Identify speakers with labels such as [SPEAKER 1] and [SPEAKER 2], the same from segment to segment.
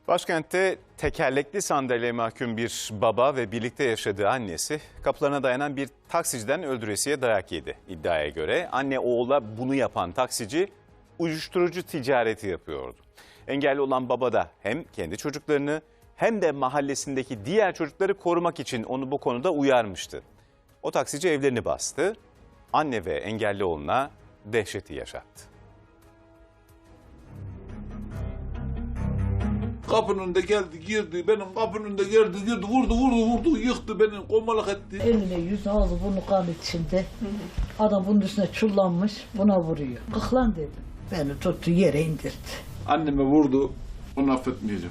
[SPEAKER 1] Başkentte tekerlekli sandalyeye mahkum bir baba ve birlikte yaşadığı annesi kapılarına dayanan bir taksiciden öldüresiye dayak yedi. İddiaya göre anne oğula bunu yapan taksici uyuşturucu ticareti yapıyordu. Engelli olan baba da hem kendi çocuklarını hem de mahallesindeki diğer çocukları korumak için onu bu konuda uyarmıştı. O taksici evlerini bastı, anne ve engelli oğluna dehşeti yaşattı.
[SPEAKER 2] Kapının önünde geldi, girdi, benim kapının önünde girdi, vurdu, yıktı beni, komalak etti.
[SPEAKER 3] Eline yüzü ağzı bunu kan içinde. Adam bunun üstüne çullanmış, buna vuruyor. Kalk dedim. Beni tuttu yere indirdi.
[SPEAKER 2] Anneme vurdu, onu affetmeyeceğim.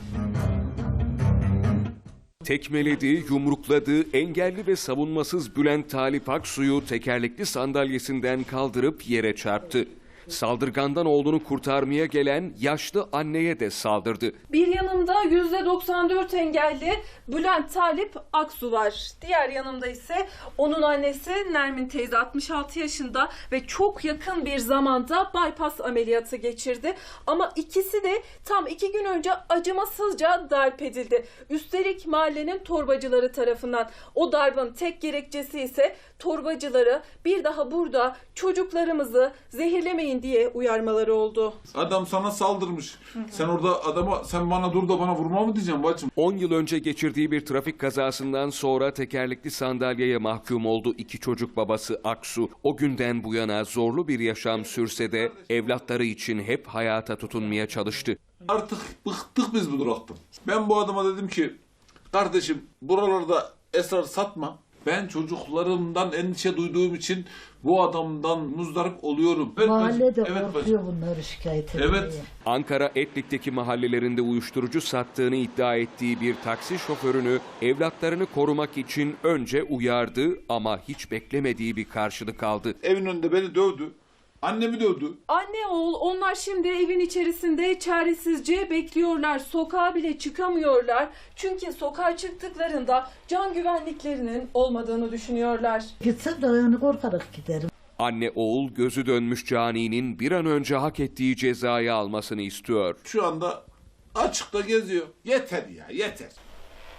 [SPEAKER 4] Tekmeledi, yumrukladı, engelli ve savunmasız Bülent Talip Aksu'yu tekerlekli sandalyesinden kaldırıp yere çarptı. Saldırgandan oğlunu kurtarmaya gelen yaşlı anneye de saldırdı.
[SPEAKER 5] Bir yanımda %94 engelli Bülent Talip Aksu var. Diğer yanımda ise onun annesi Nermin teyze 66 yaşında ve çok yakın bir zamanda bypass ameliyatı geçirdi. Ama ikisi de tam 2 gün önce acımasızca darp edildi. Üstelik mahallenin torbacıları tarafından. O darbın tek gerekçesi ise torbacıları bir daha burada çocuklarımızı zehirlemeyin diye uyarmaları oldu.
[SPEAKER 2] Adam sana saldırmış. Sen orada adama, sen bana dur da bana vurma mı diyeceğim bacım?
[SPEAKER 4] 10 yıl önce geçirdiği bir trafik kazasından sonra tekerlekli sandalyeye mahkum oldu iki çocuk babası Aksu. O günden bu yana zorlu bir yaşam sürse de evlatları için hep hayata tutunmaya çalıştı.
[SPEAKER 2] Artık bıktık biz bu duraktan. Ben bu adama dedim ki, kardeşim buralarda esrar satma. Ben çocuklarımdan endişe duyduğum için bu adamdan muzdarip oluyorum. Evet,
[SPEAKER 3] Mahallede
[SPEAKER 2] evet,
[SPEAKER 3] korkuyor bunları şikayet etmeye.
[SPEAKER 2] Evet.
[SPEAKER 4] Ankara Etlik'teki mahallelerinde uyuşturucu sattığını iddia ettiği bir taksi şoförünü evlatlarını korumak için önce uyardı ama hiç beklemediği bir karşılık aldı.
[SPEAKER 2] Evin önünde beni dövdü. Annemi dövdü.
[SPEAKER 5] Anne oğul onlar şimdi evin içerisinde çaresizce bekliyorlar. Sokağa bile çıkamıyorlar. Çünkü sokağa çıktıklarında can güvenliklerinin olmadığını düşünüyorlar.
[SPEAKER 3] Gitsem de yani korkarak giderim.
[SPEAKER 4] Anne oğul gözü dönmüş caninin bir an önce hak ettiği cezayı almasını istiyor.
[SPEAKER 2] Şu anda açıkta geziyor. Yeter ya, yeter.